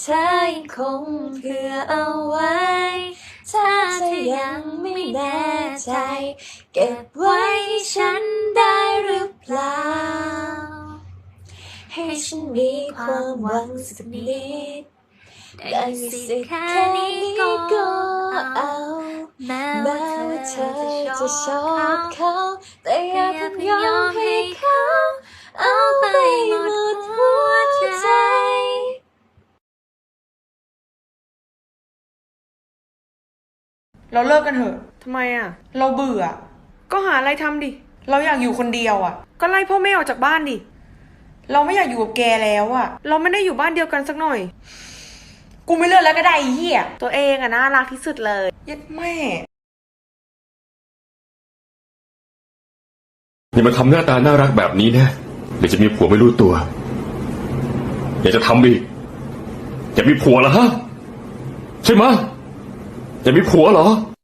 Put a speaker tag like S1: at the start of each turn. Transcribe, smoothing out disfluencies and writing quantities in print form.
S1: เธอยังคงเผื่อเอาไว้ถ้าเธอยังไม่แน่ใจเก็บไว้ให้ฉันได้หรือเปล่าให้ฉันมีความหวังสักนิดได้มีสิทธิ์แค่นี้ก็เอาแม้ว่าเธอจะชอบเขาแต่อย่าเพิ่งยอมให้เขาเอาไปหมดหัวใจ
S2: เราเลิกกันเถอะทำไมอ่ะเราเบื่อก็หาอะไรทำดิเราอยากอยู่คนเดียวอ่ะก็ไล่พ่อแม่ออกจากบ้านดิเราไม่อยากอยู่กับแกแล้วอ่ะเราไม่ได้อยู่บ้านเดียวกันสักหน่อยกูไม่เลิกแล้วก็ได้ไอ้เหี้ยตัวเองอ่ะน่ารักที่สุดเลยยัดแม่
S3: อย่ามาทำหน้าตาน่ารักแบบนี้นะเดี๋ยวจะมีผัวไม่รู้ตัวอยากจะทำอีกอยากมีผัวเหรอฮะใช่ไหมอยากมีผัวเหรอ